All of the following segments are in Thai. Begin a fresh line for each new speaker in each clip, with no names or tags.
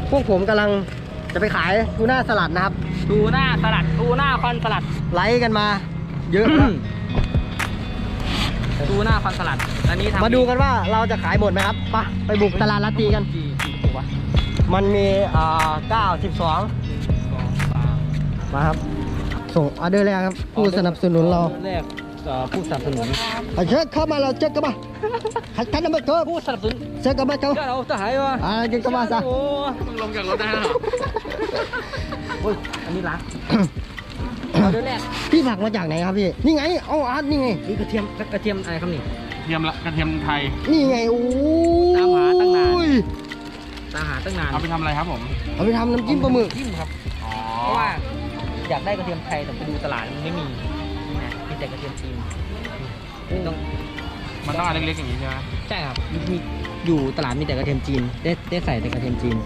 พวกผมกำลังจะไปขายทูน่าสลัดนะครับ
ทูน่าสลัดทูน่าคอนสลัด
ไลค์กันมาเยอะนะ
ทูน่าคอนสลัดอันนี้ทำ
มาดูกันว่าเราจะขายหมดไหมครับไปบุกตลาดลาตีกัน
กี่ตัววะ
มันมี9 12
2 3
มาครับส่งออเดอร์แรกครับผู้สนับสนุนเรา
แรกผู้สนับสนุน
เช็คเข้ามาเราเช็คกันมาคันนั้นมาเถอะ
ผู้สนับสนุน
เช็คกันมาเถอะ
ก็เราจะหายวะ
กินกันมาซะ
โอ้มึงลงจากรถได้หรอโอ้ยอันนี้ล้างเอาเดี๋ยวแรก
พี่ผักมาจากไหนครับพี่นี่ไงเอาอาร์ตนี่ไง
นี่กระเทียมอะไรครับนี่
กระเทียมไทย
นี่ไงโอ้
ตามหาตั้งนาน
ย
ตามหาตั้งนาน
เอาไปทำอะไรครับผม
เอาไปทำน้ำจิ้มปลาหมึก
จิ้มครับ
อ๋อ
เพราะว่าอยากได้กระเทียมไทยแต่ไปดูตลาดมันไม่มีนะมีแต่กระเทียมจีนต้อง
มันต้องอันเล็กๆอย่างนี้ใช่ไหม
ใช่ครับมีอยู่ตลาดมีแต่กระเทียมจีนได้ใส่แต่กระเทียมจีน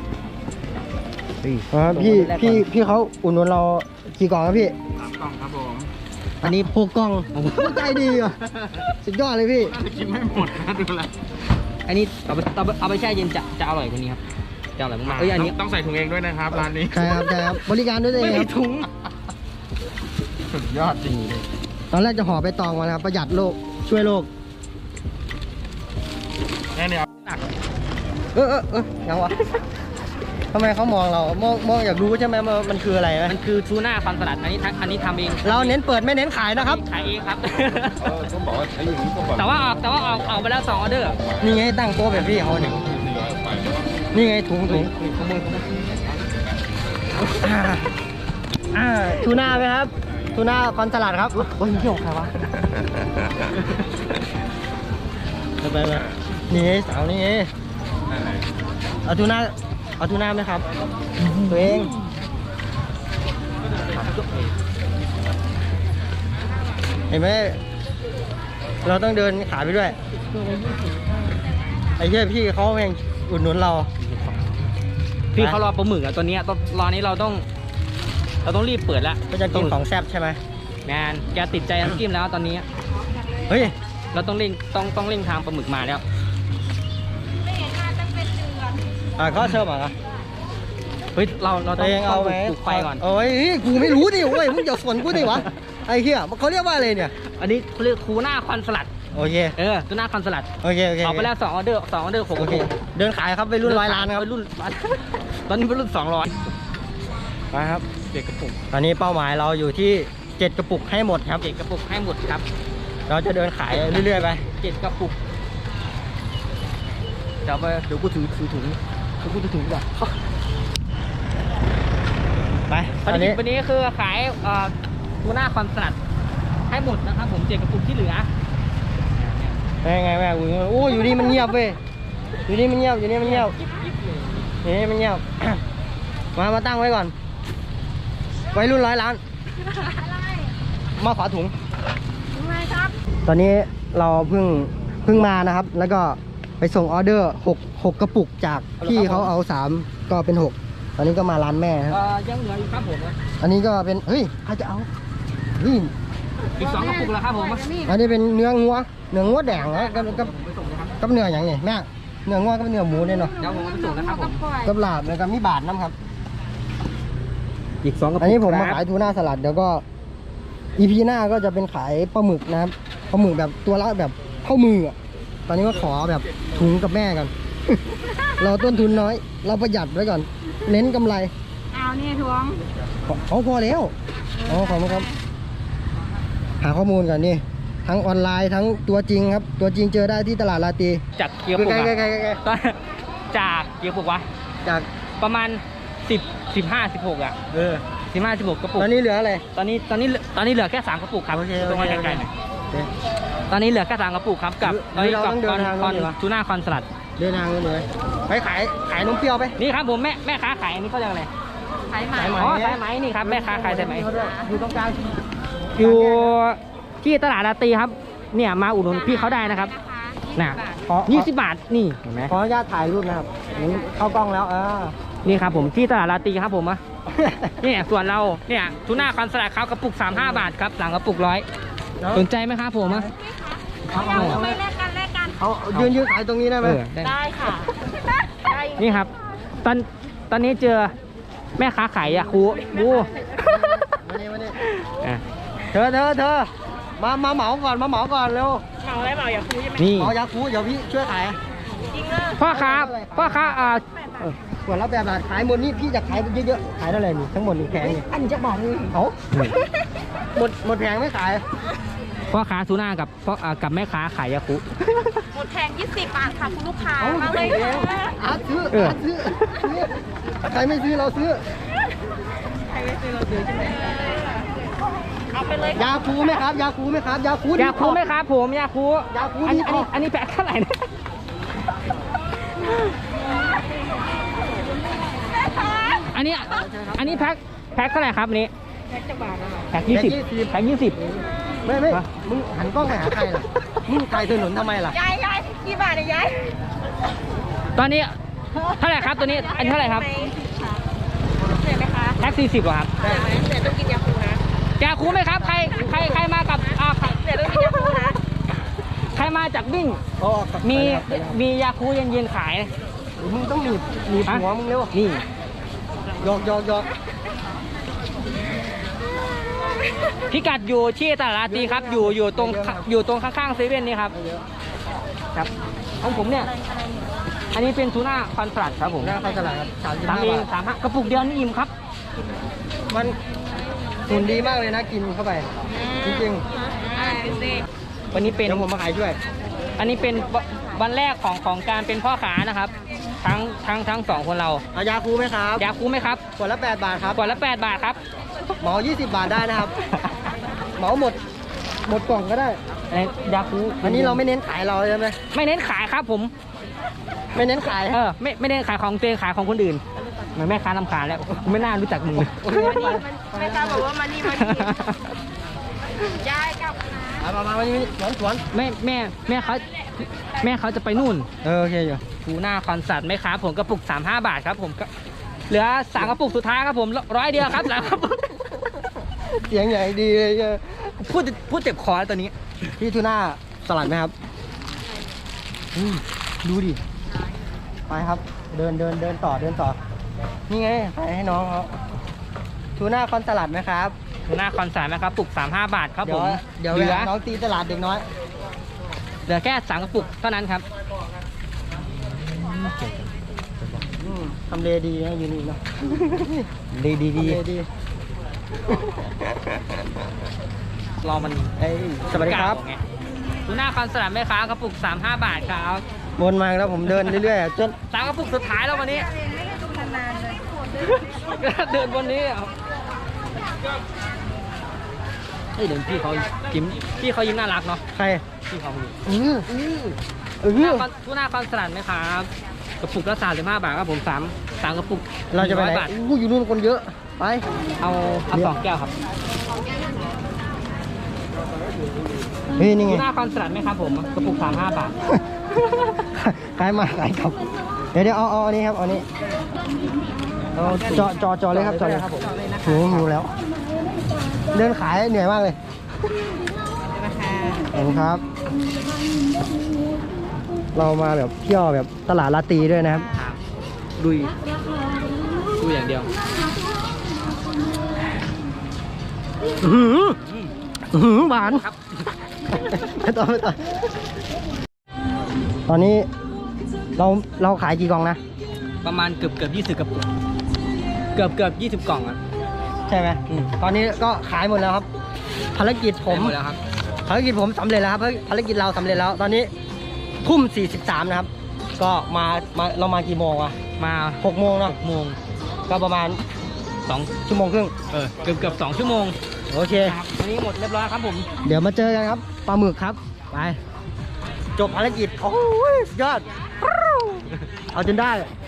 พี่เขาอุ่นนเรากี่กล่องครับพี่
3 กล่องครับผม
อันนี้พวกกล้องใจดีอ่ะสุดยอดเลยพี่
น่าจะกินไม่หมดนะดูแล
อันนี้เอาไปแช่เย็นจะอร่อยกว่านี้ครับจะอร่อยมากๆอันนี้
ต้องใส่ถุงเองด้วยนะครับร้านนี้
ใช่ครับใช่ครับบริการด้วยตัวเอ
ไม่
งค
มี
รับ
ถุง
สุดยอดจริง
ตอนแรกจะห่อไปตองมานะครับประหยัดโลกช่วยโลก
แน่เนี่ย
ยังวะทำไมเขามองเรามองอยากรู้ใช่ไหมว่ามันคืออะไรไหม
มันคือทูน่าคอนสลัดอันนี้ทำเอง
เราเน้นเปิดไม่เน้นขายนะครับ
ขายเองครับ
ต้องบอกว่าใช้อย่างนี้ก็แบบ
แต่ว่าออกไปแล้ว2 ออเดอร์
นี่ไงตั้งโต๊ะแบบพี่เขาเนี่ยนี่ไงถุงทูน่าไหมครับทูน่าคอนสลัดครับโอ้ยนี่ของใครวะไปนี่ไงสาวนี่ไงเอาทูน่าไหมครับตัวเองเห็นไหมเราต้องเดินขายไปด้วยไอ้เหี้ยพี่เขาเองอุดหนุนเรา
พี่เขารอปลาหมึกอะตัวนี้รอนี้เราต้องรีบเปิดแล้ว
ก็จะกินของแซ่บใช่ไหม
แมนแกติดใจน้ำจิ้มแล้วตอนนี้
เฮ้ย
เราต้องเร่งทางปลาหมึกมาแล้ว
เขาเชิญมา
เฮ้ยเรา
ตั
ต้
ว
อง
เองเอาไหม
ปลูกไฟก่อน
โอ้ยกูไม่รู้ดิเว้ยมึงอย่าสวนกูดิวะไอ้เหี้ยเขาเรียกว่าอะไรเนี่ย
อันนี้เขาเรียกทูน่าคอนสลัด
โอเค
ทูน่าคอนสลัด
โอเค
ออกไปแล้ว2 ออเดอร์2 ออเดอร์6
โอเคเดินขายครับไปรุ่น100 ล้านครับ
ไปรุ่นตอนนี้เป็นรุ่น200
มาครับ
เด็กกระปุก
ตอนนี้เป้าหมายเราอยู่ที่7 กระปุกให้หมดครับ
เด็กกระปุกให้หมดครับ
เราจะเดินขายเรื่อยๆไป
7 กระปุกเดี๋ยวกูถือถุงกูถือถุงก่อน
ไป
วันนี้คือขายทูน่าคอนสลัดให้หมดนะครับผม7 กระปุกที่เหลือ
ไงแม่กูโอ้อยู่นี่มันเงียบเว้ยอยู่นี่มันเงียบอยู่นี่มันเงียบมาตั้งไว้ก่อนไว้รุ่น100 ล้านมาขอถุงตอนนี้เราเพิ่งมานะครับแล้วก็ไปส่งออเดอร์6 กระปุกจากพี่เขาเอา3ก็เป็น6ตอนนี้ก็มาร้านแม่ครับ
ยังเหลืออยู่ครับผม
อันนี้ก็เป็นเฮ้ยใครจะเอานี่
อีก2 กระปุกแล้วครับผม
อันนี้เป็นเนื้องัวแดงนะกับเนื้ออย่างนี้แม่เนื้องัวกับเนื้อหมูเนี่ยเนาะ
เดี๋ยวผมเอาไปส่งนะครับผม
กับลาบแล้วก็มีบาทน้ำครับ
อีก2 กระปุก
อันนี้ผมมาขายทูน่าสลัดเดี๋ยวก็ EP หน้าก็จะเป็นขายปลาหมึกนะครับปลาหมึกแบบตัวละแบบเข้ามืออ่ะตอนนี้ก็ขอแบบถุงกับแม่กัน เราต้นทุนน้อย เราประหยัดไว้ก่อน เน้นกำไร
เอานี่ทวง
เขาพอแล้วขอบคุณครับ หาข้อมูลก่อนนี่ทั้งออนไลน์ทั้งตัวจริงครับตัวจริงเจอได้ที่ตลาดลาตี
จากเกียร์ปุก
ใกล้
จากเกียร์ปุกวะ
จาก
ประมาณ10 15 16อ่ะ15 16 กระปุก
ตอนนี้เหลืออะไร
ตอนนี้เหลือแค่3 กระปุกครับ
โอเค
ตรงมาใกล้ๆหน่อยตอนนี้เหลือแค่3 กระปุกครับกับ
เราต้องเดินทาง
คอน
ดีกว่า
ทูน่าคอนสลัด
เดินทางกันเลยไปขายนมเปรี้ยวไป
นี่ครับผมแม่ค้าขายอันนี้เขาเรียกอะไร
สายไหม
สายไหม
อ๋อสายไหมนี่ครับแม่ค้าขายสายไหม
อยู่ตรงกลาง
อยู่ที่ตลาดลาตีครับเนี่ยมาอุดหนุนพี่เขาได้นะครับน่ะ 20 บาทนี่เห็นไหม
ขออนุญาตถ่ายรูปนะครับเข้ากล้องแล้ว
นี่ครับผมที่ตลาดลาตีครับผมเนี่ยส่วนเราเนี่ยทูน่าคอนสลัดครับกระปุก35 บาทครับ3 กระปุก100สนใจไหมครับผม
ยังไม่แลกกัน
เขายืนขายตรงนี้ได้ไหม
ได้
ได้ค่ะ
นี่ครับตตอนนี้เจอแม่ค้าขายยาคูบู
มานี่มานี่
อ่ะ
เธอมาเหมาก่อนเร็ว
เหมาอะไรเหมาอย่าคุยใช่ไหม
นี่
เหมายาคูเดี๋ยวพี่ช่วยขาย
จริงอ่ะ
พ่อค้า
ขวดละ8 บาทขายหมดนี่พี่จะขายเยอะๆขายเท่าไหร่นี่ทั้งหมดนี่แพงนี่
อันจะบอกเลย
เอาหมดแพงไม่ขาย
พ่อค้าทูน่ากับแม่ค้าขายยาคู
หมดแพง20 บาทค่ะคุณลูกค้า
เอา
มาเลย
เองอาร์ตซื้อใครไม่ซื้อเราซื้อ
ใครไม่ซื้อเราซื้อใช่ไหมเอาไปเลย
ยาคูไหมครับยาคูไหมครับยาคู
ยาคูไหมครับผมยาคู
ยาคู
อันนี้แพ็คเท่าไหร่นะอันนี้แพ็คเท่าไหร่ครับอันนี้
แพ็คจะบาทนะ
แพ็ค20แพ็ค20
ไม่มึงหันกล้องไปหาใครล่ะมึงไกลถนนทำไมล่ะ
ยายกี่บาทเนี่ยยาย
ตอนนี้เท่าไหร่ครับตัวนี้อันนี้เท่าไหร่ครับ
เหนื่อยไหมคะ
แพ็ค40เหรอครับ
เหนื่อยไหมเหนื่อยต้องกินยาคูนะ
ยาคูไหมครับใครมากับ
เหนื่อยต้องกินยาคูนะ
ใครมาจากวิ่งมียาคูเย็นๆขาย
มึงต้องหนีหัวมึงเร็ว
นี่
หยอก
พิกัดอยู่ที่ตลาดราตรีครับอยู่ตรงข้างๆเซเว่นนี่ครับครับของผมเนี่ยอันนี้เป็นทูน่าคอนฟลัดครับผม
หน้าเข้าตลาดครับ
ตามเอง35กระปุกเดียวนี่อิ่มครับ
มันหุ่นดีมากเลยนะกินเข้าไปจริง
วันนี้
ๆ
เป็น
เดี๋ยวผมมาขายด้วย
อันนี้เป็นวันแรกของการเป็นพ่อค้านะครับ ทั้งสองคนเรา
เอายาคูไหมครับ
ยาคูไหมครับ
ขวดละ8 บาทครับ
ขวดละ8 บาทครับ
เหมา20 บาทได้นะครับเหมาหมดกล่องก็ได้
อันนี้ยาคู
อันนี้เราไม่เน้นขายเราใช่ไหม
ไม่เน้นขายครับผม
ไม่เน้นขาย
ไม่เน้นขายของตัวเองขายของคนอื่นเหมือนแม่ค้านำขายแล้วไม่น่ารู้จักมึงเลย
ไม่กล้าบอกว่ามานี่ยายกลับนะ
มาวันนี้สวน
แม่เขาจะไปนู่น
โอเคอยู่
ทูน่าคอนสัตว์ไหมครับผมกระปุก35 บาทครับผมก็เหลือ3กระปุกสุดท้ายครับผม100 เดียวครับ3กระปุก
เสียงใหญ่ดีเลย
พูดเจ็บคอแล้วตอนนี้
พี่ทูน่าสลัดไหมครับดูดิไปครับเดินต่อนี่ไงขายให้น้องเขาทูน่าคอนสลัดไหมครับ
ทูน่าคอนสัตว์นะครับปุก35 บาทครับผม
เดี๋ยว
เหลือ
น้องตีตลาดเด็กน้อย
เหลือแค่3กระปุกเท่านั้นครับ
ทำเลดีนะอยู่นี่เนาะ
ดี
ทำเลดี
รอมัน
สวัสดีครับ
ไงทูน่าคอนสัตว์ไหมครับกระปุก35 บาทครับ
วนมาแล้วผมเดินเรื่อยๆจน
3กระปุกสุดท้ายแล้ววันนี้ เดินวันนี้เดินพี่เขายิ้มน่ารักเนาะ
ใคร
พี่เขายิ้ม ทูน่าคอนสลัดไหมครับกระปุกละ35 บาทครับผม3กระปุก
เราจะไปไหน
100 บาท
อยู่นู่นคนเยอะไป
เอา2 แก้วครับ
เฮ้ยนี่ไง
ทูน่าคอนสลัดไหมครับผมกระปุก35 บาท
ขายมาขายกลับเดี๋ยวเอาอันนี้ครับเอาอันนี้เอาจอเลยครับจอเลยครับผมหิวแล้ว เดินขายเหนื่อยมากเลยขอบคุณครับ เรามาแบบเที่ยวแบบตลาดราตรีด้วยนะครับ
ดูอย่างเดียว
หวาน
ครับ
ไม่ต่อตอนนี้เราขายกี่กล่องนะ
ประมาณเกือบ20 กระปุกเกือบ20 กล่องอ่ะ
ใช่ไหมตอนนี้ก็ขายหมดแล้วครับ ภารกิจผม
หมดแล้วครับ
ภารกิจผมสำเร็จแล้วครับภารกิจเราสำเร็จแล้ว ตอนนี้ทุ่ม43นะครับ ก็เรามากี่โมงวะ
มา
6 โมงเนาะ
6 โมง
ก็ประมาณ
2
ชั่วโมงครึ่ง
เกือบ2 ชั่วโมง
โอเค
ครับวันนี้หมดเรียบร้อยครับผม
เดี๋ยวมาเจอกันครับปลาหมึกครับไปจบภารกิจโอ้ยสุดยอดเอาจนได้